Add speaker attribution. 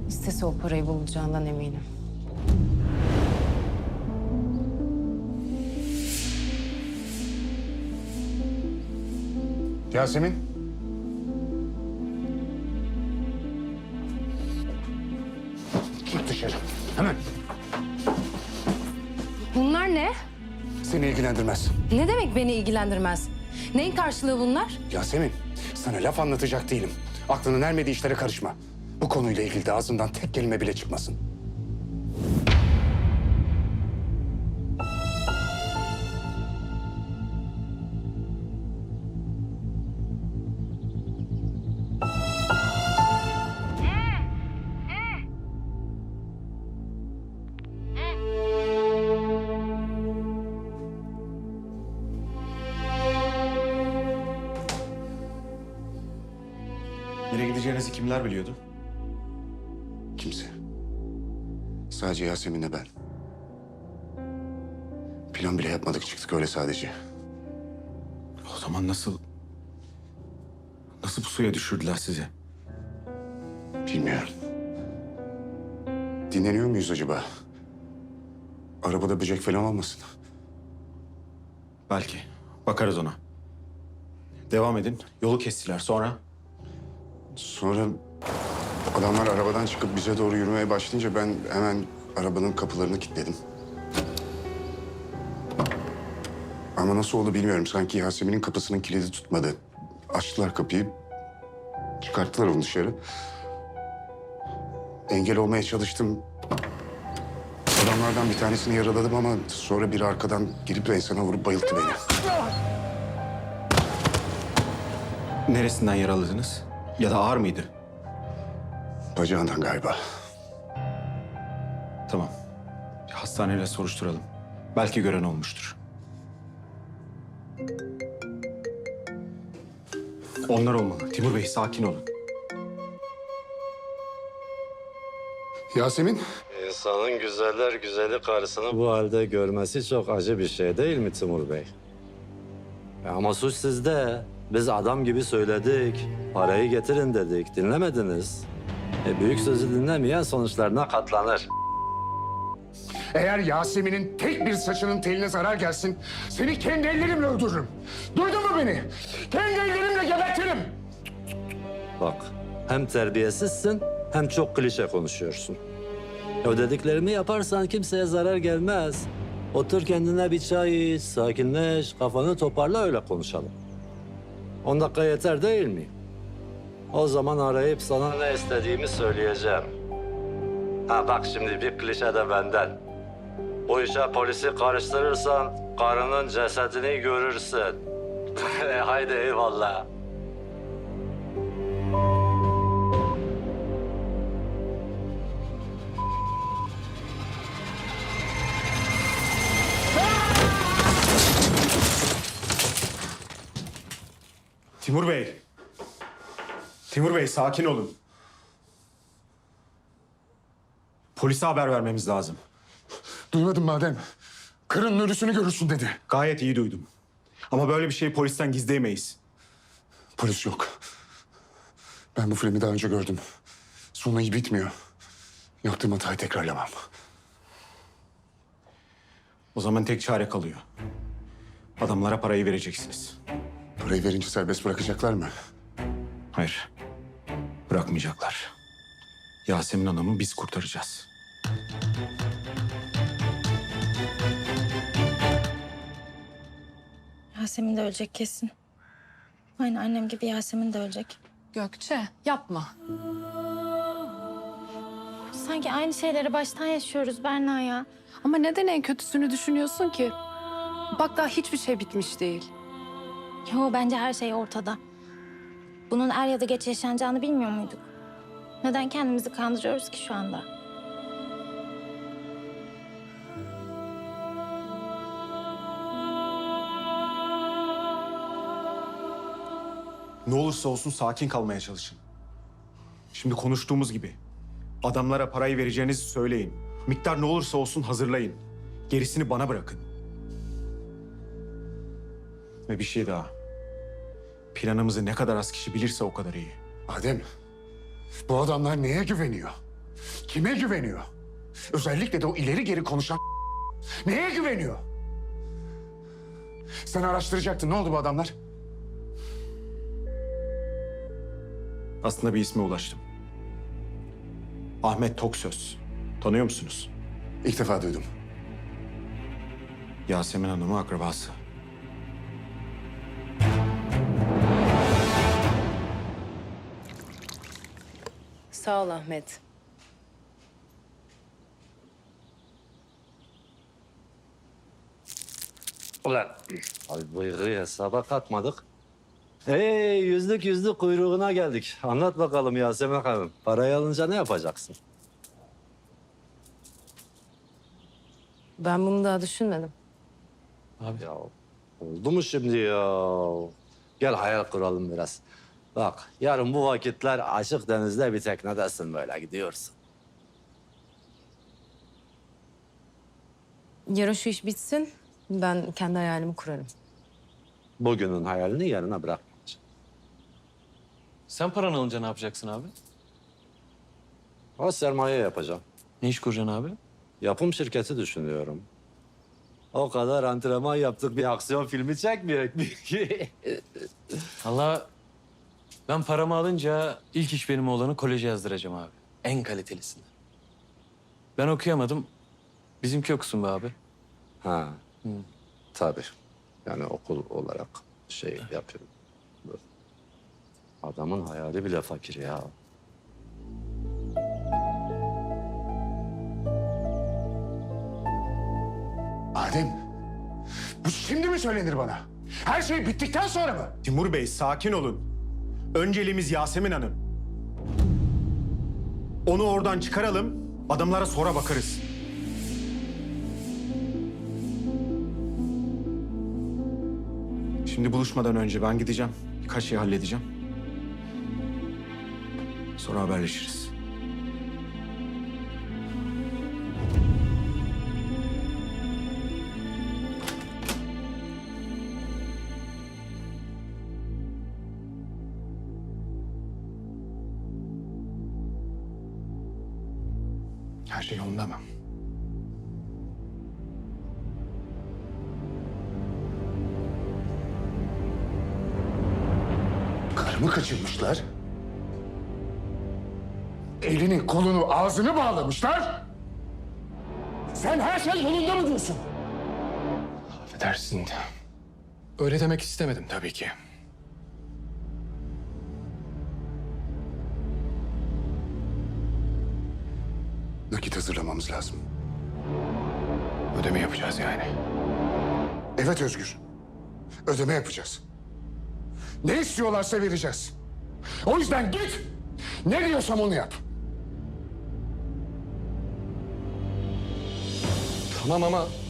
Speaker 1: İstese o parayı bulacağından eminim.
Speaker 2: Yasemin. Git dışarı. Hemen.
Speaker 1: Bunlar ne?
Speaker 2: Seni ilgilendirmez.
Speaker 1: Ne demek beni ilgilendirmez? Neyin karşılığı bunlar?
Speaker 2: Yasemin, sana laf anlatacak değilim. Aklının ermediği işlere karışma. Bu konuyla ilgili de ağzından tek kelime bile çıkmasın.
Speaker 3: Nereye gideceğinizi kimler biliyordu?
Speaker 2: Kimse. Sadece Yasemin'le ben. Plan bile yapmadık, çıktık öyle sadece.
Speaker 3: O zaman nasıl bu suya düşürdüler sizi?
Speaker 2: Bilmiyorum. Dinleniyor muyuz acaba? Arabada böcek falan olmasın.
Speaker 3: Belki. Bakarız ona. Devam edin. Yolu kestiler. Sonra?
Speaker 2: Sonra adamlar arabadan çıkıp bize doğru yürümeye başlayınca ben hemen arabanın kapılarını kilitledim. Ama nasıl oldu bilmiyorum. Sanki Yasemin'in kapısının kilidi tutmadı. Açtılar kapıyı. Çıkarttılar onu dışarı. Engel olmaya çalıştım. Adamlardan bir tanesini yaraladım ama sonra biri arkadan gelip enseme vurup bayılttı beni.
Speaker 3: Neresinden yaraladınız? Ya da ağır mıydı?
Speaker 2: Bacağından galiba.
Speaker 3: Tamam. Bir hastaneyle soruşturalım. Belki gören olmuştur. Onlar olmalı. Timur Bey sakin olun.
Speaker 2: Yasemin?
Speaker 4: İnsanın güzeller güzeli karısını bu halde görmesi çok acı bir şey değil mi Timur Bey? Ama suç sizde. Biz adam gibi söyledik. Parayı getirin dedik. Dinlemediniz. Büyük sözü dinlemeyen sonuçlarına katlanır.
Speaker 2: Eğer Yasemin'in tek bir saçının teline zarar gelsin, seni kendi ellerimle öldürürüm. Duydun mu beni? Kendi ellerimle gebertirim.
Speaker 4: Bak, hem terbiyesizsin hem çok klişe konuşuyorsun. O dediklerimi yaparsan kimseye zarar gelmez. Otur kendine bir çay iç, sakinleş, kafanı toparla öyle konuşalım. 10 dakika yeter değil mi? O zaman arayıp sana ne istediğimi söyleyeceğim. Ha bak şimdi bir klişe de benden. Bu işe polisi karıştırırsan karının cesedini görürsün. Haydi eyvallah.
Speaker 3: Timur Bey. Timur Bey sakin olun. Polise haber vermemiz lazım.
Speaker 2: Duymadın madem. Karının ölüsünü görürsün dedi.
Speaker 3: Gayet iyi duydum. Ama böyle bir şeyi polisten gizleyemeyiz.
Speaker 2: Polis yok. Ben bu filmi daha önce gördüm. Sonu iyi bitmiyor. Yaptığım hatayı tekrarlamam.
Speaker 3: O zaman tek çare kalıyor. Adamlara parayı vereceksiniz.
Speaker 2: Parayı verince serbest bırakacaklar mı?
Speaker 3: Hayır. Bırakmayacaklar. Yasemin Hanım'ı biz kurtaracağız.
Speaker 5: Yasemin de ölecek kesin. Aynı annem gibi Yasemin de ölecek.
Speaker 6: Gökçe yapma.
Speaker 5: Sanki aynı şeyleri baştan yaşıyoruz Berna ya.
Speaker 6: Ama neden en kötüsünü düşünüyorsun ki? Bak daha hiçbir şey bitmiş değil.
Speaker 5: Yo bence her şey ortada. Bunun er ya da geç yaşanacağını bilmiyor muyduk? Neden kendimizi kandırıyoruz ki şu anda?
Speaker 3: Ne olursa olsun sakin kalmaya çalışın. Şimdi konuştuğumuz gibi adamlara parayı vereceğinizi söyleyin. Miktar ne olursa olsun hazırlayın. Gerisini bana bırakın. Ve bir şey daha. Planımızı ne kadar az kişi bilirse o kadar iyi.
Speaker 2: Adem, bu adamlar neye güveniyor? Kime güveniyor? Özellikle de o ileri geri konuşan neye güveniyor? Sen araştıracaktın. Ne oldu bu adamlar?
Speaker 3: Aslında bir isme ulaştım. Ahmet Toksöz. Tanıyor musunuz?
Speaker 2: İlk defa duydum.
Speaker 3: Yasemin Hanım'ın akrabası.
Speaker 1: Sağ ol Ahmet.
Speaker 4: Ulan. Abi bıyığı hesaba katmadık. Hey yüzlük kuyruğuna geldik. Anlat bakalım Yasemin Hanım. Parayı alınca ne yapacaksın?
Speaker 1: Ben bunu daha düşünmedim.
Speaker 4: Ya oldu mu şimdi ya? Gel hayal kuralım biraz. Bak yarın bu vakitler açık denizde bir teknedesin böyle gidiyorsun.
Speaker 1: Yarın şu iş bitsin. Ben kendi hayalimi kurarım.
Speaker 4: Bugünün hayalini yarına bırakmayacaksın.
Speaker 7: Sen paranı alınca ne yapacaksın abi?
Speaker 4: O sermaye yapacağım.
Speaker 7: Ne iş kuracaksın abi?
Speaker 4: Yapım şirketi düşünüyorum. O kadar antrenman yaptık bir aksiyon filmi çekmeyecek mi ki?
Speaker 7: Allah ben paramı alınca ilk iş benim oğlanı koleje yazdıracağım abi. En kalitelisini. Ben okuyamadım. Bizimki okusun be abi.
Speaker 4: Ha. Tabii. Yani okul olarak şey yapıyorum. Adamın hayali bile fakir ya.
Speaker 2: Adem, bu şimdi mi söylenir bana? Her şey bittikten sonra mı?
Speaker 3: Timur Bey sakin olun. Önceliğimiz Yasemin Hanım. Onu oradan çıkaralım, adamlara sonra bakarız. Şimdi buluşmadan önce ben gideceğim. Birkaç şey halledeceğim. Sonra haberleşiriz.
Speaker 2: Her şey yolunda mı? Karımı kaçırmışlar. Elini, kolunu, ağzını bağlamışlar. Sen her şey yolunda mı diyorsun?
Speaker 8: Affedersin. Öyle demek istemedim tabii ki.
Speaker 2: Nakit hazırlamamız lazım.
Speaker 8: Ödeme yapacağız yani.
Speaker 2: Evet Özgür. Ödeme yapacağız. Ne istiyorlarsa vereceğiz. O yüzden git. Ne diyorsam onu yap.
Speaker 8: Tamam ama